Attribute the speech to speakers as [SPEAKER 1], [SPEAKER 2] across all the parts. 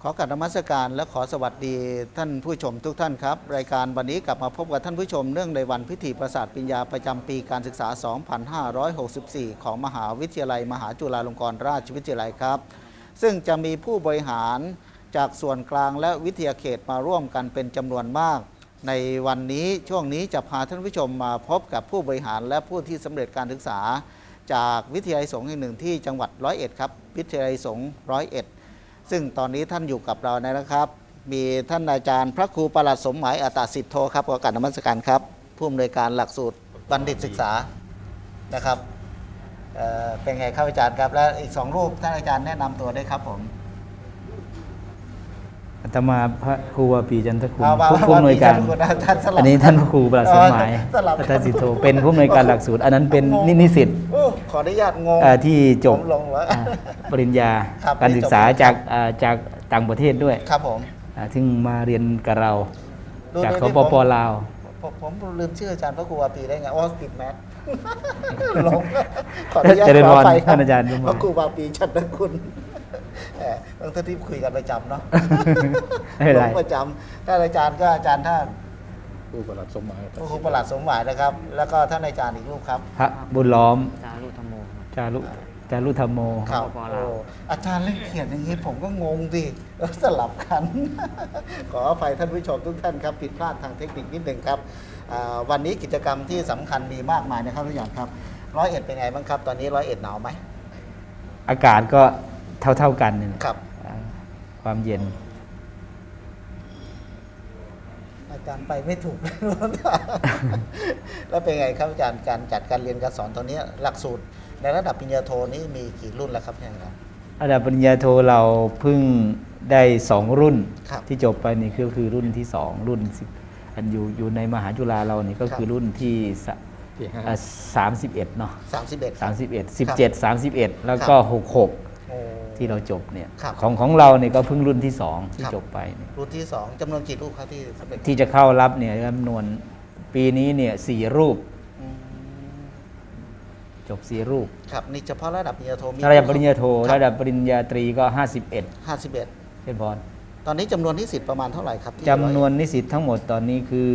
[SPEAKER 1] ขอกราบนมัสการและขอสวัสดีท่านผู้ชมทุกท่านครับรายการวันนี้กลับมาพบกับท่านผู้ชมเนื่องในวันพิธีประสาทปริญญาประจำปีการศึกษา 2564 ของมหาวิทยาลัยมหาจุฬาลงกรณราชวิทยาลัยครับซึ่งจะมีผู้บริหารจากส่วนกลางและวิทยาเขตมาร่วมกันเป็นจำนวนมากในวันนี้ช่วงนี้จะพาท่านผู้ชมมาพบกับผู้บริหารและผู้ที่สำเร็จการศึกษาจากวิทยาลัยสงฆ์แห่งหนึ่งที่จังหวัดร้อยเอ็ดครับวิทยาลัยสงฆ์ร้อยเอ็ดซึ่งตอนนี้ท่านอยู่กับเรานะครับมีท่านอาจารย์พระครูประหลัดสมหมายอัตตสิทโธครับขอกราบนมัสการครับผู้อำนวยการหลักสูตรบัณฑิตศึกษานะครับเป็นไงครับอาจารย์ครับและอีก2รูปท่านอาจารย์แนะนำตัวได้ครับผม
[SPEAKER 2] อาตมาพระครูวาปีจันทคุณผู้อำนวยการอันนี้ท่านพระครูประหลัดสมหมายอัตตสิทโธเป็นผู้อำนวยการหลักสูตรอันนั้นเป็นนิสิต
[SPEAKER 1] ขออนุญาตงง
[SPEAKER 2] ที่จบปริญญาการศึกษาจากต่างประเทศด้วย
[SPEAKER 1] ครับผม
[SPEAKER 2] ถึงมาเรียนกับเราจากสปป.ลาว
[SPEAKER 1] ผมลืมชื่ออาจารย์พระครูวาปีได้ไงติดแมสลงขออนุญาตขอไป
[SPEAKER 2] ท่านอาจารย์
[SPEAKER 1] พระครูวาปีจันทคุณต้องที่คุยกันประจำเนาะลงประจำท่านอาจารย์ก็อาจารย์ท่าน
[SPEAKER 3] ครูประหลัดสมหมาย
[SPEAKER 1] ครูประหลัดสมหมายนะครับแล้วก็ท่านอาจารย์อีกรูปครับ
[SPEAKER 2] พระบุญล้อม
[SPEAKER 4] จารุธรรมโม
[SPEAKER 2] จารุธรรมโม
[SPEAKER 1] ครับอาจารย์เล่นเขียนอย่างนี้ผมก็งงดิสลับกันขออภัยท่านผู้ชมทุกท่านครับผิดพลาดทางเทคนิคนิดหนึ่งครับวันนี้กิจกรรมที่สำคัญมีมากมายนะครับทุกอย่างครับร้อยเอ็ดเป็นไงบ้างครับตอนนี้ร้อยเอ็ดหนาวไหม
[SPEAKER 2] อากาศก็เท่ากัน
[SPEAKER 1] ครับ
[SPEAKER 2] ความเย็น
[SPEAKER 1] อาจารย์ไปไม่ถูกแล้วเป็นไงครับอาจารย์การจัดการเรียนการสอนตอนนี้หลักสูตรในระดับปริญญาโทนี้มีกี่รุ่นแล้วครับอาจารย์
[SPEAKER 2] ระดับปริญญาโทเราเพิ่งได้2รุ่นที่จบไปนี่คือรุ่นที่2รุ่นอันอยู่ในมหาจุฬาเรานี่ก็คือรุ่นที่31เนาะ31 17 31แล้วก็66ที่เราจบเนี่ยของเราเนี่ยก็เพิ่งรุ่นที่2ที่จบไป
[SPEAKER 1] รุ่นที่2จำนวนกี่รูปครับ
[SPEAKER 2] ที่จะเข้ารับเนี่ยจำนวนปีนี้เนี่ย4รูปจบ4รูป
[SPEAKER 1] ครับนี่เฉพาะระดับปริญญาโทมี
[SPEAKER 2] ระดับปริญญาโทระดับปริญญาตรีก็51เช่นบอล
[SPEAKER 1] ตอนนี้จำนวนนิสิตประมาณเท่าไหร่ครับ
[SPEAKER 2] จำนวนนิสิตทั้งหมดตอนนี้คือ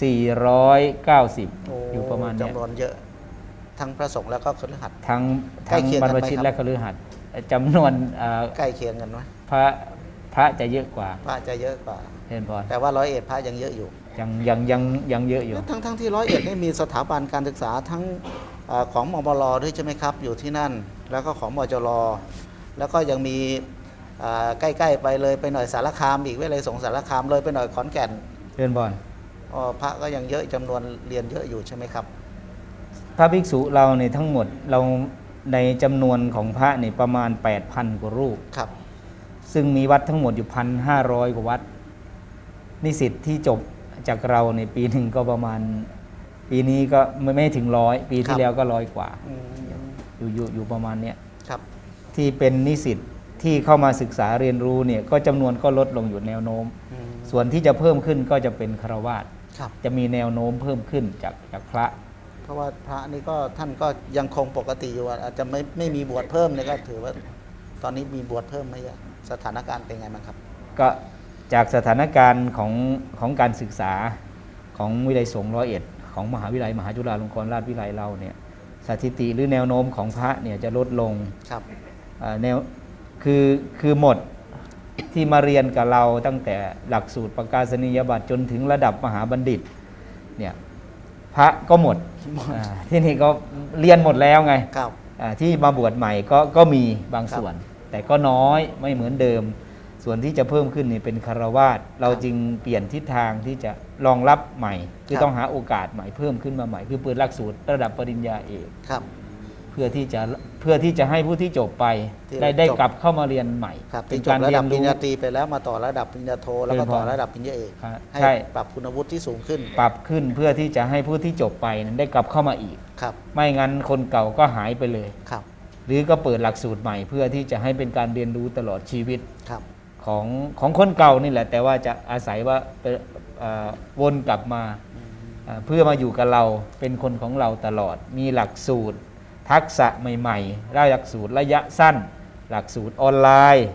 [SPEAKER 2] 490อยู่ประมาณนี้
[SPEAKER 1] จำนวนเยอะทั้งพระสงฆ์แล้วก็คฤหัสถ์
[SPEAKER 2] ทั้งบรรพชิตและคฤหัสถ์จำนวน
[SPEAKER 1] ใกล้เคียงกันไหม
[SPEAKER 2] พระจะเยอะกว่า
[SPEAKER 1] พระจะเยอะกว่า
[SPEAKER 2] เห็นบอล
[SPEAKER 1] แต่ว่าร้อยเอ็ดพระยังเยอะอยู่
[SPEAKER 2] ยังเยอะอยู่
[SPEAKER 1] ทั้งที่ร้อยเอ็ดนี่มีสถาบันการศึกษาทั้งของมบลด้วยใช่ไหมครับอยู่ที่นั่นแล้วก็ของมจรแล้วก็ยังมีใกล้ๆไปเลยไปหน่อยสารคามอีกวิทยาลัยสงฆ์สารคามเลยไปหน่อยขอนแก่น
[SPEAKER 2] เรียนบอล
[SPEAKER 1] พระก็ยังเยอะจำนวนเรียนเยอะอยู่ใช่ไหมครับ
[SPEAKER 2] พระภิกษุเราในทั้งหมดเราในจำนวนของพระนี่ประมาณ 8,000 กว่ารูป
[SPEAKER 1] ครับ
[SPEAKER 2] ซึ่งมีวัดทั้งหมดอยู่ 1,500 กว่าวัดนิสิตที่จบจากเราในปีหนึ่งก็ประมาณปีนี้ก็ไม่ถึง100ปีที่แล้วก็100 กว่าอยู่ประมาณเนี้ยที่เป็นนิสิตที่เข้ามาศึกษาเรียนรู้เนี่ยก็จำนวนก็ลดลงอยู่แนวโน้มส่วนที่จะเพิ่มขึ้นก็จะเป็นฆราวาสจะมีแนวโน้มเพิ่มขึ้นจากพระ
[SPEAKER 1] เพราะว่าพระนี่ก็ท่านก็ยังคงปกติอยู่อาจจะไม่มีบวชเพิ่มเลยก็ถือว่าตอนนี้มีบวชเพิ่มไหมสถานการณ์เป็นไงบ้างครับ
[SPEAKER 2] ก็จากสถานการณ์ของการศึกษาของวิทยาลัยสงฆ์ร้อยเอ็ดของมหาวิทยาลัยมหาจุฬาลงกรณราชวิทยาลัยเราเนี่ยสถิติหรือแนวโน้มของพระเนี่ยจะลดลงแนวคือหมดที่มาเรียนกับเราตั้งแต่หลักสูตรประกาศนียบัตรจนถึงระดับมหาบัณฑิตเนี่ยพระก็หมดที่นี่ก็เรียนหมดแล้วไงที่มาบวชใหม่ก็มีบางส่วนแต่ก็น้อยไม่เหมือนเดิมส่วนที่จะเพิ่มขึ้นนี่เป็นฆราวาสเราจึงเปลี่ยนทิศทางที่จะรองรับใหม่คือต้องหาโอกาสใหม่เพิ่มขึ้นมาใหม่คือเปิดหลักสูตรระดับปริญญาเอกเพื่อที่จะให้ผู้ที่จบไปได้กลับเข้ามาเรียนใหม่
[SPEAKER 1] เป็นการระดับปริญญาตรีไปแล้วมาต่อระดับปริญญาโทแล้วก็ต่อระดับปริญญาเอกให้ปรับคุณวุฒิที่สูงขึ้น
[SPEAKER 2] ปรับขึ้นเพื่อที่จะให้ผู้ที่จบไปนั้นได้กลับเข้ามาอีกไม่งั้นคนเก่าก็หายไปเลยหรือก็เปิดหลักสูตรใหม่เพื่อที่จะให้เป็นการเรียนรู้ตลอดชีวิตของคนเก่านี่แหละแต่ว่าจะอาศัยว่าวนกลับมาเพื่อมาอยู่กับเราเป็นคนของเราตลอดมีหลักสูตรทักษะใหม่ๆหลักสูตรระยะสั้นหลักสูตรออนไลน์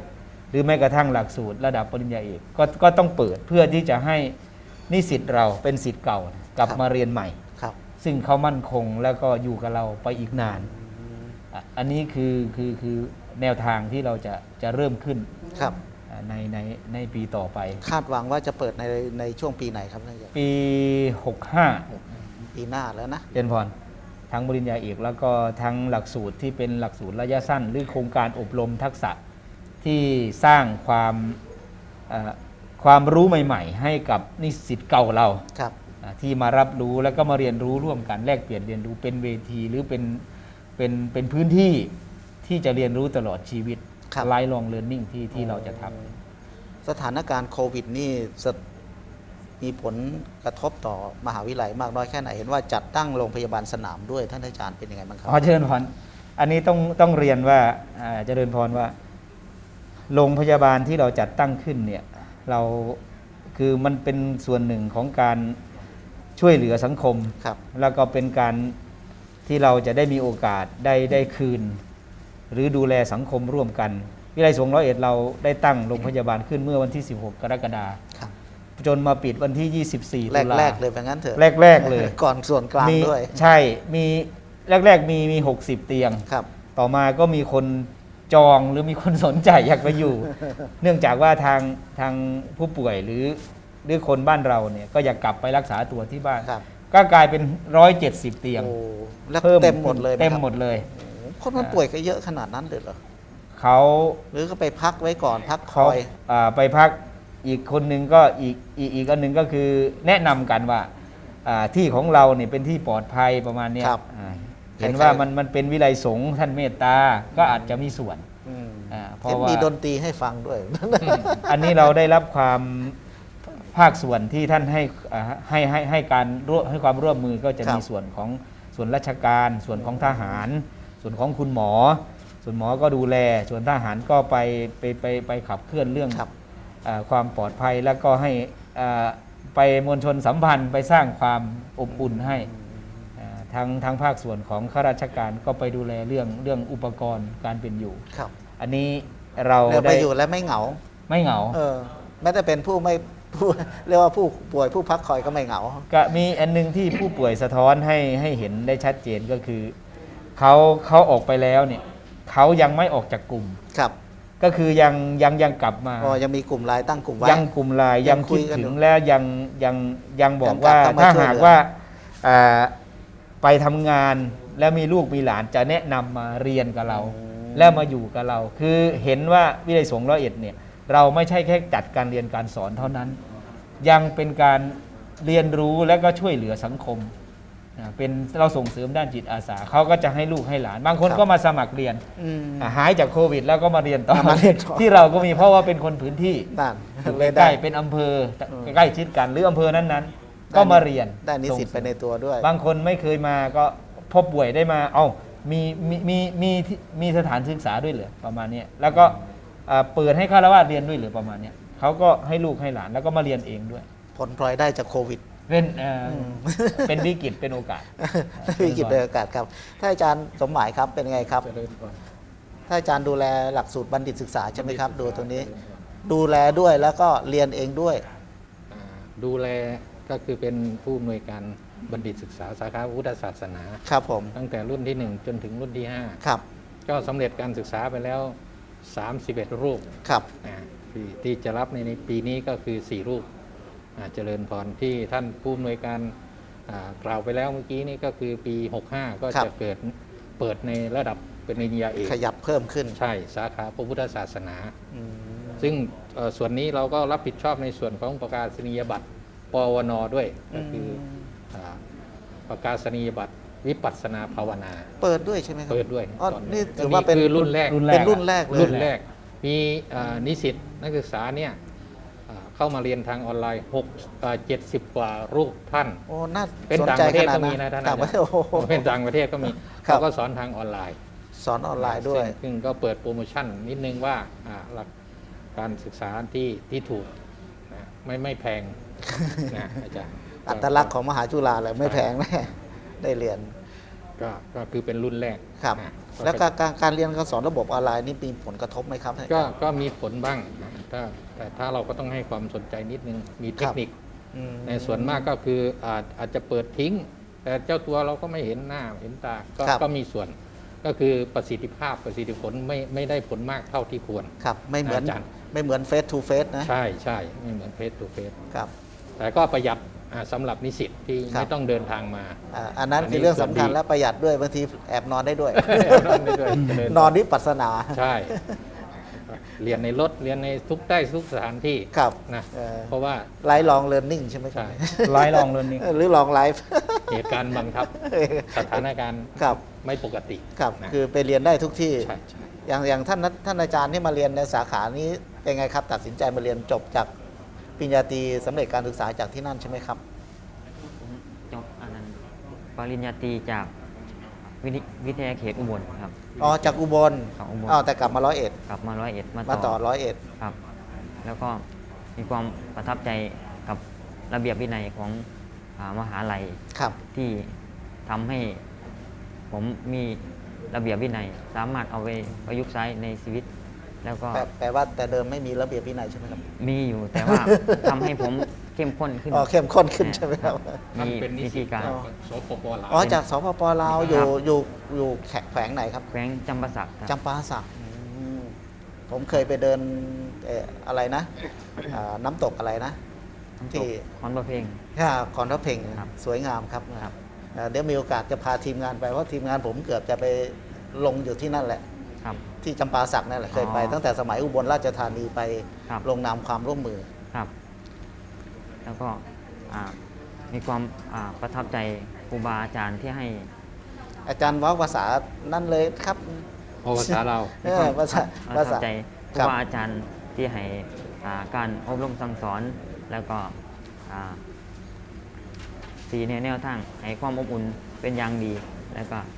[SPEAKER 2] หรือแม้กระทั่งหลักสูตรระดับปริญญาเอกก็ต้องเปิดเพื่อที่จะให้นิสิตเราเป็นศิษย์เก่ากลับมาเรียนใหม่
[SPEAKER 1] ครับ
[SPEAKER 2] ซึ่งเขามั่นคงแล้วก็อยู่กับเราไปอีกนานอันนี้คือแนวทางที่เราจะเริ่มขึ้น
[SPEAKER 1] ครับ
[SPEAKER 2] ในปีต่อไป
[SPEAKER 1] คาดหวังว่าจะเปิดในช่วงปีไหนครับท่านอาจารย์
[SPEAKER 2] ปี 65
[SPEAKER 1] ปีหน้าแล้วนะ
[SPEAKER 2] เรียนพรทั้งปริญญาเอกแล้วก็ทั้งหลักสูตรที่เป็นหลักสูตรระยะสั้น หรือโครงการอบรมทักษะที่สร้างความรู้ใหม่ๆ ให้กับนิสิตเก่าเรา
[SPEAKER 1] ครับ
[SPEAKER 2] ที่มารับรู้แล้วก็มาเรียนรู้ร่วมกันแลกเปลี่ยนเรียนรู้เป็นเวทีหรือเป็นพื้นที่ที่จะเรียนรู้ตลอดชีวิต
[SPEAKER 1] ครับ
[SPEAKER 2] lifelong learning ที่เราจะทำ
[SPEAKER 1] สถานการณ์โควิดนี่มีผลกระทบต่อมหาวิทยาลัยมากน้อยแค่ไหนเห็นว่าจัดตั้งโรงพยาบาลสนามด้วยท่านอาจารย์เป็นยังไงบ้างครับ
[SPEAKER 2] เจริญพรอันนี้ต้องเรียนว่าเจริญพรว่าโรงพยาบาลที่เราจัดตั้งขึ้นเนี่ยเราคือมันเป็นส่วนหนึ่งของการช่วยเหลือสังคม
[SPEAKER 1] ครับ
[SPEAKER 2] แล้วก็เป็นการที่เราจะได้มีโอกาสได้คืน หรือดูแลสังคมร่วมกัน วิทยาลัยสงฆ์101เราได้ตั้งโรงพยาบาลขึ้นเมื่อวันที่ 16 กรกฎาคม
[SPEAKER 1] ครับ
[SPEAKER 2] จนมาปิดวันที่ 24 ตุลา
[SPEAKER 1] แรกๆเลยเป็นงั้นเถอะ
[SPEAKER 2] แรกๆเลย
[SPEAKER 1] ก่อนส่วนกลาง
[SPEAKER 2] มี
[SPEAKER 1] ด้วย
[SPEAKER 2] ใช่มีแรกๆมี60 เตียง
[SPEAKER 1] ครับ
[SPEAKER 2] ต่อมาก็มีคนจองหรือมีคนสนใจอยากไปอยู่ เนื่องจากว่าทางผู้ป่วยหรือคนบ้านเราเนี่ยก็อยากกลับไปรักษาตัวที่บ้าน
[SPEAKER 1] ครับ
[SPEAKER 2] ก็กลายเป็น170 เตียง
[SPEAKER 1] โอ้แล้ว
[SPEAKER 2] พิ่
[SPEAKER 1] เต็มหมดเลยไห
[SPEAKER 2] เต็ม
[SPEAKER 1] ครับ
[SPEAKER 2] หมดเลย
[SPEAKER 1] โอ้คนมันป่วยก็เยอะขนาดนั้นเลยเหรอ
[SPEAKER 2] เขา
[SPEAKER 1] หรือก็ไปพักไว้ก่อนพักค
[SPEAKER 2] เขา
[SPEAKER 1] อย
[SPEAKER 2] ไปพักอีกคนหนึ่งก็อีกอันหนึ่งก็คือแนะนำกันว่าที่ของเราเนี่ยเป็นที่ปลอดภัยประมาณเนี้ย
[SPEAKER 1] ครับ
[SPEAKER 2] เห็นว่ามันเป็นวิไลสงฆ์ท่านเมตตาก็อาจจะมีส่วน
[SPEAKER 1] อืม
[SPEAKER 2] เพราะ
[SPEAKER 1] เห็น
[SPEAKER 2] ว่า
[SPEAKER 1] มีดนตรีให้ฟังด้วย
[SPEAKER 2] อันนี้เราได้รับความภาคส่วนที่ท่านให้การให้ความร่วมมือก็จะ
[SPEAKER 1] ครับ
[SPEAKER 2] มีส่วนของส่วนราชการ ส่วนของทหาร ส่วนของคุณหมอ ส่วนหมอก็ดูแล ส่วนทหารก็ไปขับเคลื่อนเรื่อง
[SPEAKER 1] ครับ
[SPEAKER 2] ความปลอดภัยแล้วก็ให้ไปมวลชนสัมพันธ์ไปสร้างความอบอุ่นให้ทางภาคส่วนของข้าราชการก็ไปดูแลเรื่องอุปกรณ์การเป็นอยู่
[SPEAKER 1] ครับ
[SPEAKER 2] อันนี้เรา
[SPEAKER 1] แล้วไป
[SPEAKER 2] ได้
[SPEAKER 1] อยู่แล้วไม่เหงา
[SPEAKER 2] ไม่เหงา
[SPEAKER 1] แม้แต่เป็นผู้ไม่ผู้เรียกว่าผู้ป่วยผู้พักคอยก็ไม่เหงา
[SPEAKER 2] ก็มีอันนึงที่ผู้ป่วยสะท้อนให้เห็นได้ชัดเจนก็คือเขาออกไปแล้วเนี่ยเขายังไม่ออกจากกลุ่ม
[SPEAKER 1] ครับ
[SPEAKER 2] ก็คือยังกลับมา
[SPEAKER 1] ยังมีกลุ่มไลน์ตั้งกลุ่มไว้
[SPEAKER 2] ยังกลุ่มไลน์
[SPEAKER 1] ยั
[SPEAKER 2] ยัง ง
[SPEAKER 1] คุ
[SPEAKER 2] คิ
[SPEAKER 1] ย
[SPEAKER 2] ด
[SPEAKER 1] กัน
[SPEAKER 2] ถึ
[SPEAKER 1] อยู่
[SPEAKER 2] งและยังบอก
[SPEAKER 1] ยังกลับ
[SPEAKER 2] ว่า
[SPEAKER 1] เข้ามา
[SPEAKER 2] ถ้า
[SPEAKER 1] ช่วย
[SPEAKER 2] หาก
[SPEAKER 1] เหลือ
[SPEAKER 2] ว่าไปทำงานแล้วมีลูกมีหลานจะแนะนำมาเรียนกับเรา แล้วมาอยู่กับเรา คือเห็นว่าวิทยาลัยสงฆ์101เนี่ยเราไม่ใช่แค่จัดการเรียนการสอนเท่านั้น ยังเป็นการเรียนรู้และก็ช่วยเหลือสังคมเป็นเราส่งเสริมด้านจิตอาสาเขาก็จะให้ลูกให้หลาน บางคน
[SPEAKER 1] ครับ
[SPEAKER 2] ก็มาสมัครเรียน
[SPEAKER 1] อืม
[SPEAKER 2] หายจากโควิด แล้วก็มาเรียนต่อ
[SPEAKER 1] มาเรียนต่อ
[SPEAKER 2] ที่เราก็มีเพราะว่าเป็นคนพื้นที่
[SPEAKER 1] นั่น
[SPEAKER 2] อยู่
[SPEAKER 1] เลย
[SPEAKER 2] ใกล้ๆเป็นอำเภอใกล้ชิดกันหรืออำเภอนั้นๆ ก็มาเรียน
[SPEAKER 1] ได้นิสิตไปในตัวด้วย
[SPEAKER 2] บางคนไม่เคยมาก็พอป่วยได้มามีสถานศึกษาด้วยเหรือประมาณเนี้ยแล้วก็เปิดให้ฆราวาสเรียนด้วยเหรือประมาณเนี้ยเขาก็ให้ลูกให้หลานแล้วก็มาเรียนเองด้วย
[SPEAKER 1] ผลพลอยได้จากโควิด
[SPEAKER 2] เป็นวิกฤตเป็นโอกาส
[SPEAKER 1] วิกฤตเป็นโอกาสครับท่านอาจารย์สมหมายครับเป็นไงครับ
[SPEAKER 3] เจริญพร
[SPEAKER 1] ท่านอาจารย์ดูแลหลักสูตรบัณฑิตศึกษาใช่ไหมครับ ดูตรงนี้ ดูแลด้วยแล้วก็เรียนเองด้วย
[SPEAKER 3] ดูแลก็คือเป็นผู้อำนวยการบัณฑิตศึกษาสาขาพุทธศาสนา
[SPEAKER 1] ครับผม
[SPEAKER 3] ตั้งแต่รุ่นที่ 1 จนถึงรุ่นที่
[SPEAKER 1] ครับ
[SPEAKER 3] 5 ก็สำเร็จการศึกษาไปแล้ว 31 รูป
[SPEAKER 1] ครับ
[SPEAKER 3] ที่จะรับในปีนี้ก็คือ 4 รูปเจริญพรที่ท่านผู้อำนวยการกล่าวไปแล้วเมื่อกี้นี่ก็คือปี 65 ก็จะเปิดในระดับเป็นปริญญาเอก
[SPEAKER 1] ขยับเพิ่มขึ้น
[SPEAKER 3] ใช่สาขาพระพุทธศาสนา
[SPEAKER 1] อืม
[SPEAKER 3] ซึ่งส่วนนี้เราก็รับผิดชอบในส่วนของประกาศนียบัตรปวณด้วยก็คือประกาศนียบัตรวิปัสสนาภาวนา
[SPEAKER 1] เปิดด้วยใช่ไหมครับ
[SPEAKER 3] เปิดด้วย
[SPEAKER 1] อ๋อ
[SPEAKER 3] ตอน
[SPEAKER 1] นี่ถือว่าเป็น
[SPEAKER 3] คือรุ่นแรก
[SPEAKER 1] เป็นรุ่นแรกเลย
[SPEAKER 3] รุ่นแรกมีนิสิตนักศึกษาเนี่ยเข้ามาเรียนทางออนไลน์70 กว่ารูปท่าน
[SPEAKER 1] โอ้น่า
[SPEAKER 3] เป็น
[SPEAKER 1] สน
[SPEAKER 3] ต่าง
[SPEAKER 1] ใจ
[SPEAKER 3] ประเท
[SPEAKER 1] ข
[SPEAKER 3] ศ
[SPEAKER 1] นาด
[SPEAKER 3] ก็มี
[SPEAKER 1] นั้น
[SPEAKER 3] นะท่าน
[SPEAKER 1] ต่างประเทศโอ้โห
[SPEAKER 3] เป็นต่างประเทศก็มี
[SPEAKER 1] ครับ
[SPEAKER 3] เขาก็สอนทางออนไลน์
[SPEAKER 1] สอนออนไลน์ด้วย
[SPEAKER 3] ซึ่งก็เปิดโปรโมชั่นนิดนึงว่าหลักการศึกษาที่ถูกนะไม่แพงนะอาจารย์
[SPEAKER 1] อัตลักษณ์ของมหาจุฬาเลยไม่แพงแน่ได้เรียน
[SPEAKER 3] ก็คือเป็นรุ่นแรก
[SPEAKER 1] ครับ
[SPEAKER 3] นะ
[SPEAKER 1] แล้วการเรียนการสอนระบบออนไลน์นี่มีผลกระทบไหมครับท่าน
[SPEAKER 3] ก็มีผลบ้างนะแต่ถ้าเราก็ต้องให้ความสนใจนิดนึงมีเทคนิค
[SPEAKER 1] อืม
[SPEAKER 3] ในส่วนมากก็คืออาจจะเปิดทิ้ง แต่เจ้าตัวเราก็ไม่เห็นหน้าเห็นตาก็มีส่วน ก็คือประสิทธิผลไม่ได้ผลมากเท่าที่ควร
[SPEAKER 1] ครับไม่เหมือน
[SPEAKER 3] อาจารย์
[SPEAKER 1] ไม่เหมือนเฟสทูเฟสนะ
[SPEAKER 3] ใช่ไม่เหมือนเฟสทูเฟส
[SPEAKER 1] ครับ
[SPEAKER 3] แต่ก็ประหยัดสำหรับนิสิตที่
[SPEAKER 1] ครับ
[SPEAKER 3] ไม่ต้องเดินทางมา
[SPEAKER 1] อันนั้นคือเรื่องสำคัญและประหยัดด้วยบางทีแอบนอนได้ด้วย นอนวิปัสสนา
[SPEAKER 3] ใช่ เรียนในรถเรียนในทุกสถานที่
[SPEAKER 1] ครับ
[SPEAKER 3] นะ
[SPEAKER 1] เออ
[SPEAKER 3] เพราะว่า
[SPEAKER 1] ไลฟ์ลองเรียนนิ่งใช่ไหมครับ
[SPEAKER 3] ใช่
[SPEAKER 2] ไลฟ์ลองเรียนนี่
[SPEAKER 1] หรือลองไลฟ์
[SPEAKER 3] เหตุการณ์บังคับสถานการณ์
[SPEAKER 1] ครับ
[SPEAKER 3] ไม่ปกติ
[SPEAKER 1] ครับ
[SPEAKER 3] นะ
[SPEAKER 1] คือไปเรียนได้ทุกที่
[SPEAKER 3] ใช่
[SPEAKER 1] อย่างท่านอาจารย์ที่มาเรียนในสาขานี้เป็นไงครับ ตัดสินใจมาเรียนจบจากปริญญาตรีสำเร็จการศึกษาจากที่นั่นใช่ไหมครับ
[SPEAKER 4] ผมจบอันนั้นปริญญาตรีจากวิทยาเขตอุบลครับ
[SPEAKER 1] อ๋อจากอุบล
[SPEAKER 4] จากอุบล
[SPEAKER 1] อ๋อแต่กลับมา101
[SPEAKER 4] กลับมา101
[SPEAKER 1] มา
[SPEAKER 4] มา
[SPEAKER 1] ต่
[SPEAKER 4] ต่
[SPEAKER 1] อ
[SPEAKER 4] อ
[SPEAKER 1] 101
[SPEAKER 4] ครับ แล้วก็มีความประทับใจกับระเบียบวินัยของมหาลัย
[SPEAKER 1] ครับ
[SPEAKER 4] ที่ทำให้ผมมีระเบียบวินัย สามารถเอาไปประยุกต์ใช้ในชีวิต แล้วก็
[SPEAKER 1] แปลว่าแต่เดิมไม่มีระเบียบวินัยใช่ไหมครับ
[SPEAKER 4] มีอยู่แต่ว่า ทำให้ผมเข้มข้นขึ้น
[SPEAKER 1] อ๋อเข้มข้นขึ้นใช่ไหมครับ
[SPEAKER 3] ท่าน
[SPEAKER 4] มี
[SPEAKER 3] เป็นนิ
[SPEAKER 4] วิ
[SPEAKER 3] สิ
[SPEAKER 4] ธี
[SPEAKER 3] ต
[SPEAKER 4] การ
[SPEAKER 3] สปปลาว
[SPEAKER 1] อ๋อจากสปปลาวอยู่
[SPEAKER 4] ครับ
[SPEAKER 1] อยู่แขวงไหนครับ
[SPEAKER 4] แขวงจำปาสักครับ
[SPEAKER 1] จำปาสักผมเคยไปเดินอะไรนะน้ำตกอะไรนะ ที่
[SPEAKER 4] คอนประเพลง
[SPEAKER 1] คอนทัพเพ่ง
[SPEAKER 4] ครับ
[SPEAKER 1] สวยงามครับ
[SPEAKER 4] ครับ
[SPEAKER 1] เดี๋ยวมีโอกาสจะพาทีมงานไปเพราะทีมงานผมเกือบจะไปลงอยู่ที่นั่นแหละ
[SPEAKER 4] ครับ
[SPEAKER 1] ที่จำปาสักนั่นแหละเคยไป
[SPEAKER 4] อ๋อ
[SPEAKER 1] ตั้งแต่สมัยอุบลราชธานีไป
[SPEAKER 4] ครับ
[SPEAKER 1] ลงนามความร่วมมือ
[SPEAKER 4] ครับ แล้วก็มีความประทับใจครูบาอาจารย์ที่ให้
[SPEAKER 1] อาจารย์เว้าภาษานั่นเลยครับ
[SPEAKER 3] ภาษาเรา
[SPEAKER 1] ภาษา
[SPEAKER 4] ประ
[SPEAKER 1] ภา
[SPEAKER 4] ทั
[SPEAKER 1] ษา
[SPEAKER 4] บใจครู
[SPEAKER 1] ครับ
[SPEAKER 4] บาอาจารย์ที่ให้การอบรมสั่งสอน แล้วก็สีแนวทางให้ความอบอุ่นเป็นอย่างดี แล้วก็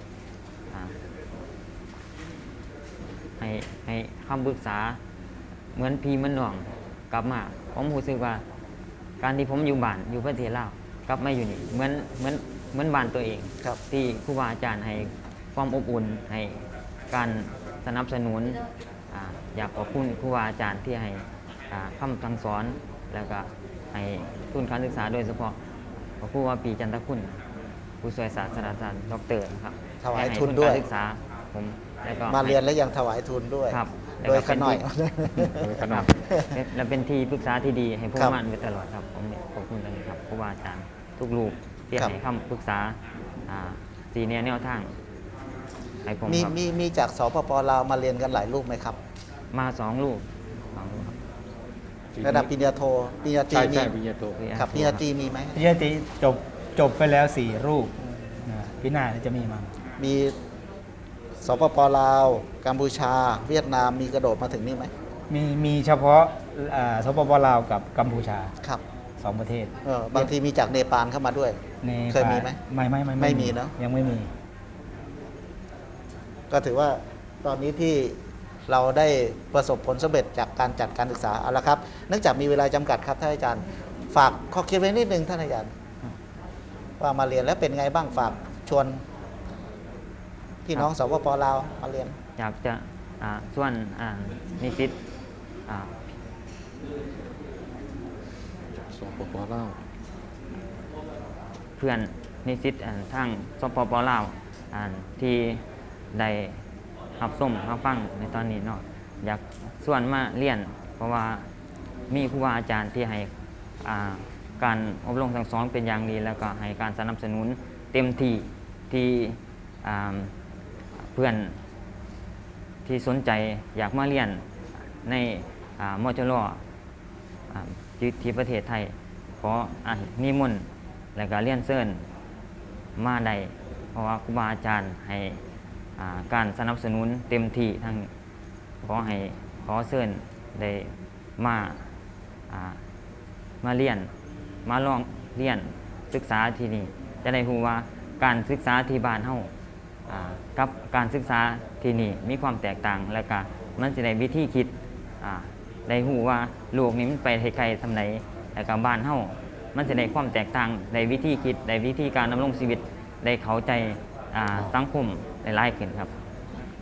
[SPEAKER 4] ให้คำปรึกษาเหมือนพี่เหมือนน้องกลับมาผมรู้สึกว่า การที่ผมอยู่บ้านอยู่ประเทศลาวกลับมาอยู่นี่เหมือนบ้านตัวเอง
[SPEAKER 1] ครับ
[SPEAKER 4] ที่ครูบาอาจารย์ให้ความอบอุ่นให้การสนับสนุนอยากขอบคุณครูบาอาจารย์ที่ให้คำสั่งสอน แล้วก็ให้ทุนการศึกษาโดยเฉพาะครูวาปีจันทคุณผู้ช่วยศาสตราจารย์ดรนะครับ
[SPEAKER 1] ถวาย
[SPEAKER 4] ให้
[SPEAKER 1] ทุนด้วย
[SPEAKER 4] การศึกษาผมแล้วก็
[SPEAKER 1] มาเรียนแล้วยังถวายทุนด้วย
[SPEAKER 4] ครับ
[SPEAKER 1] โดยขน่อย
[SPEAKER 3] ขนาด
[SPEAKER 4] และเป็นที่ปรึกษาที่ดีให้ผู้
[SPEAKER 1] ครับ
[SPEAKER 4] มั่นไว้ตลอดครับผมขอบคุณนะครับครูบาอาจารย์ทุกรูปที่
[SPEAKER 1] ครับ
[SPEAKER 4] ให้คำปรึกษาสีแนวทางให้ผม
[SPEAKER 1] มี
[SPEAKER 4] ครับ
[SPEAKER 1] มีจากสปปลาวมาเรียนกันหลายรูปไหมครับ
[SPEAKER 4] มา2 รูปครับ
[SPEAKER 1] ระดับปริญญาโทปริญญาตรี
[SPEAKER 3] ใช่
[SPEAKER 1] มี
[SPEAKER 3] ใช่ปริญญาโท
[SPEAKER 1] ครับปริญญาตรีมีไหม
[SPEAKER 2] ปริญญาตรีจบไปแล้ว 4 รูปพี่หน้าจะมีมั้ง
[SPEAKER 1] มีสปปลาวกัมพูชา เวียดนามมีกระโดดมาถึงนี่ไหม
[SPEAKER 2] มีเฉพาะสปปลาวกับกัมพูชา
[SPEAKER 1] ครับ
[SPEAKER 2] 2 ประเทศ
[SPEAKER 1] บางทีมีจากเนปาลเข้ามาด้วย
[SPEAKER 2] ใน
[SPEAKER 1] เคยมีไหม
[SPEAKER 2] ไม่
[SPEAKER 1] มีเนอะ
[SPEAKER 2] ยังไม่มี
[SPEAKER 1] ก็ถือว่าตอนนี้ที่เราได้ประสบผลสำเร็จจากการจัดการศึกษาเอาละครับ เนื่องจากมีเวลาจำกัดครับท่านอาจารย์ ฝากข้อคิดไว้นิดนึงท่านอาจารย์ ว่ามาเรียนแล้วเป็นไงบ้างฝากชวนพี่น้องสปปลาวมาเรียน
[SPEAKER 4] อยากจะส่วนนิสิต
[SPEAKER 3] สปปลาว
[SPEAKER 4] เพื่อนนิสิตทางสปปลาวที่ได้รับส้มรับฟังในตอนนี้เนาะอยากส่วนมาเรียน เพราะว่ามีครูบาอาจารย์ที่ให้การอบรมสั่งสอนเป็นอย่างดี แล้วก็ให้การสนับสนุนเต็มที่ที่เพื่อนที่สนใจอยากมาเรียนในมจรที่ประเทศไทยขอนิมนต์และก็เรียนเชิญมาได้เพราะว่าครูบาอาจารย์ให้การสนับสนุนเต็มที่ทั้งขอเชิญได้มาเรียนมาลองเรียนศึกษาที่นี่จะได้รู้ว่าการศึกษาที่บ้านเฮากับการศึกษาที่นี่มีความแตกต่าง แล้วก็มันจะได้วิธีคิดได้รู้ว่าโลกนี้มันไปไกลๆสำไหนแล้วก็บ้านเฮามันจะได้ความแตกต่างได้วิธีคิดได้วิธีการดำรงชีวิตได้เข้าใจสังคมหลายๆขึ้นครับ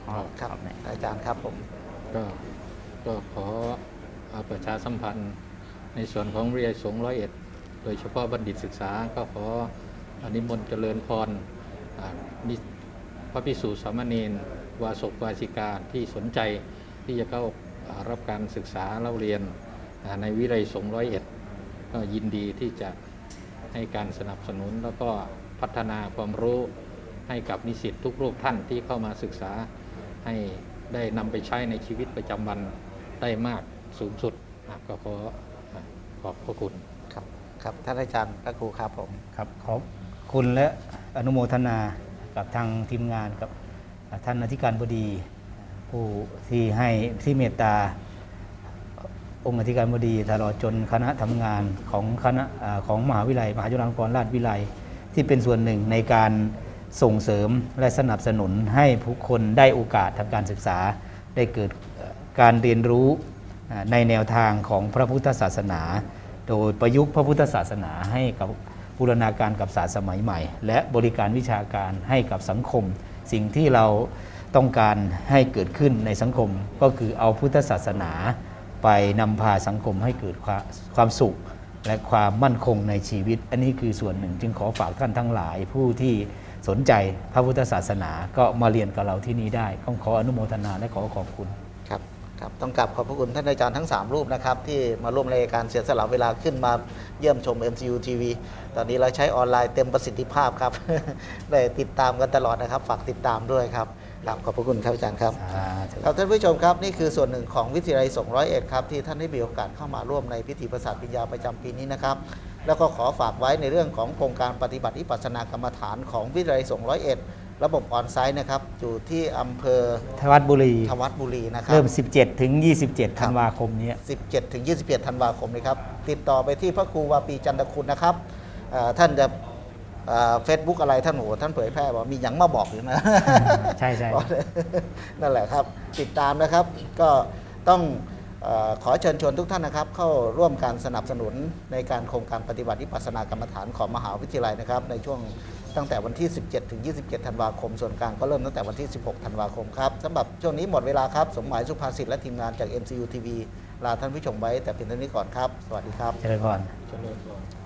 [SPEAKER 1] ครับอาจารย์ครับผม
[SPEAKER 3] ก็ขอประชาสัมพันธ์ในส่วนของวิทยาลัยสงฆ์ร้อยเอ็ดโดยเฉพาะบัณฑิตศึกษาก็ขอนิมนต์เจริญพรพระภิกษุสามเณรวาสกวาสิกาที่สนใจที่จะเข้ารับการศึกษาเล่าเรียนในวิทยาลัยสงฆ์ร้อยเอ็ดก็ยินดีที่จะให้การสนับสนุนแล้วก็พัฒนาความรู้ให้กับนิสิตทุกรูปท่านที่เข้ามาศึกษาให้ได้นำไปใช้ในชีวิตประจำวันได้มากสูงสุดก็ขอบพระคุณ
[SPEAKER 1] ครับท่านอาจารย์พระครูครับผม
[SPEAKER 2] ครับขอบคุณและอนุโมทนากับทางทีมงานกับท่านอธิการบดีผู้ที่เมตตาองค์อธิการบดีตลอดจนคณะทำงานของมหาวิทยาลัยมหาจุฬาลงกรณราชวิทยาลัยที่เป็นส่วนหนึ่งในการส่งเสริมและสนับสนุนให้ผู้คนได้โอกาสทางการศึกษาได้เกิดการเรียนรู้ในแนวทางของพระพุทธศาสนาโดยประยุกต์พระพุทธศาสนาให้กับบูรณาการกับศาสตร์สมัยใหม่และบริการวิชาการให้กับสังคมสิ่งที่เราต้องการให้เกิดขึ้นในสังคมก็คือเอาพุทธศาสนาไปนำพาสังคมให้เกิดความสุขและความมั่นคงในชีวิตอันนี้คือส่วนหนึ่งจึงขอฝากท่านทั้งหลายผู้ที่สนใจพระพุทธศาสนาก็มาเรียนกับเราที่นี่ได้ต้องขออนุโมทนาและขอขอบคุณ
[SPEAKER 1] ครับต้องกราบขอบพระคุณท่านอาจารย์ทั้ง3รูปนะครับที่มาร่วมรายการเสียสละเวลาขึ้นมาเยี่ยมชม MCU TV ตอนนี้เราใช้ออนไลน์เต็มประสิทธิภาพครับ ได้ติดตามกันตลอดนะครับฝากติดตามด้วยครับขอบพระคุณครับอาจารย์ครับครับท่านผู้ชมครับนี่คือส่วนหนึ่งของวิทยาลัยสงฆ์ร้อยเอ็ดครับที่ท่านได้มีโอกาสเข้ามาร่วมในพิธีประสาทปริญญาประจำปีนี้นะครับแล้วก็ขอฝากไว้ในเรื่องของโครงการปฏิบัติวิปัสสนากรรมฐานของวิทยาลัยสงฆ์ร้อยเอ็ดระบบออนไซต์นะครับอยู่ที่อำเภอ
[SPEAKER 2] ทวัดบุรีนะครับ
[SPEAKER 1] เริ่
[SPEAKER 2] ม17 ถึง 27 ธันวาคมนี้
[SPEAKER 1] 17 ถึง 21 ธันวาคมนี้ครับติดต่อไปที่พระครูวาปีจันทคุณนะครับท่านจะเฟซบุ๊กอะไรท่านท่านเผยแพร่บอกมีหยังมาบอกอยู่นะ
[SPEAKER 2] ใช่
[SPEAKER 1] นั่นแหละครับติดตามนะครับก็ต้องขอเชิญชวนทุกท่านนะครับเข้าร่วมการสนับสนุนในการโครงการปฏิบัติวิปัสสนากรรมฐานของมหาวิทยาลัยนะครับในช่วงตั้งแต่วันที่ 17 ถึง 27 ธันวาคมส่วนกลางก็เริ่มตั้งแต่วันที่ 16 ธันวาคมครับสำหรับช่วงนี้หมดเวลาครับสมหมายสุภาษิตและทีมงานจาก MCU TV ลาท่านผู้ชมไว้แต่เพียงเท่านี้ก่อนครับสวัสดีครับ
[SPEAKER 2] เจริญพร